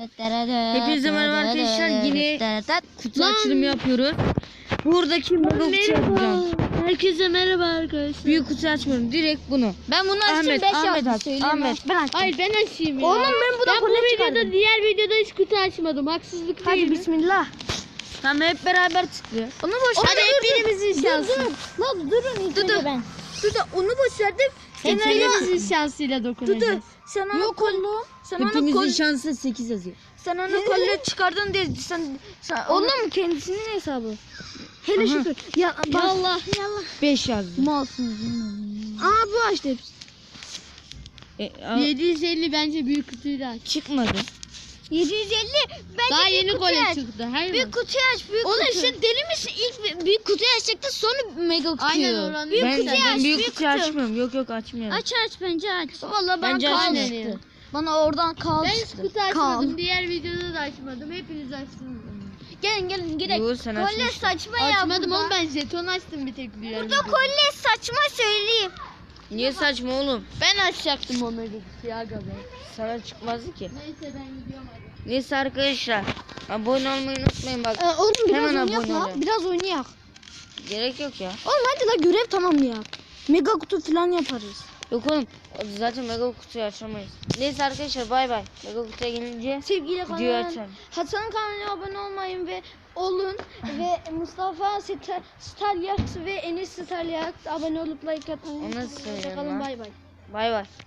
Hepinize merhaba arkadaşlar. Yine kutu açılımı yapıyoruz. Buradaki mega kutu yapacağım. Herkese merhaba arkadaşlar. Büyük kutu açmıyorum. Direkt bunu. Ben bunu açtım 5 Ahmet aç. söyleyeyim. Ahmet. Ben açtım. Hayır ben açayım ya. Oğlum ben bu da bu kolye videoda çıkardım. diğer videoda hiç kutu açmadım. Haksızlık değil Hadi mi? bismillah. Tamam hep beraber tıklıyor. Onu boş Hadi hep birimizin şansı. Lan durun ilk önce ben. Dur da onu boş verdim. Hep birimizin şansıyla dokunacağız. Sen onu Yok oğlum. Sen hepimizin şansı 8 yazıyor. Sen onu kolye çıkardın diye sen oğlum kendisinin hesabı. Hele şükür. Ya Yallah. 5 yazdı. Malsınız. Aa bu açtı hepsi. 750 bence büyük kutuyu da aç. Çıkmadı. 750 bence Daha büyük yeni kutuyu kolye aç. çıktı. Hayır Büyük mı? kutuyu aç büyük Oğlum kutu. sen deli misin? İlk büyük kutuyu açacaktı sonra mega kutuyu. Aynen oranı. Büyük Ben, kutuyu ben aç, büyük büyük kutuyu kutu. açmıyorum. Yok açmıyorum. Aç bence aç. Vallahi bana Bence kal açmıyor. çıktı. Bana oradan kal Ben hiç çıktı. kutu açmadım. Diğer videoda da açmadım. Hepiniz açtınız. Gelin gidelim. Yo, sen Kolye açmışsın. saçma ya Açmadım burada. oğlum ben jeton açtım bir tek diğer Burada videoda. kolye saçma söyleyeyim. Niye saçma oğlum? Ben açacaktım o mega kutuyu aga be. Sana çıkmazdı ki. Neyse ben gidiyorum hadi. Neyse arkadaşlar. Abone olmayı unutmayın bak. Oğlum biraz Hemen oynayak abone la. ol. Biraz oynayak. Gerek yok ya. Oğlum hadi la görev tamamlayak. Mega kutu falan yaparız. Yok oğlum. Zaten mega kutuyu açamayız. Neyse arkadaşlar bay bay. Mega kutuya gelince Sevgili videoyu kanalıma açalım. Hasan'ın kanalına abone olmayın ve olun ve Mustafa Stalyaks ve Enes Stalyaks abone olup like atmayı Onu unutmayın. nasıl söyleyeyim Hoşçakalın, lan? bay bay. Bay bay.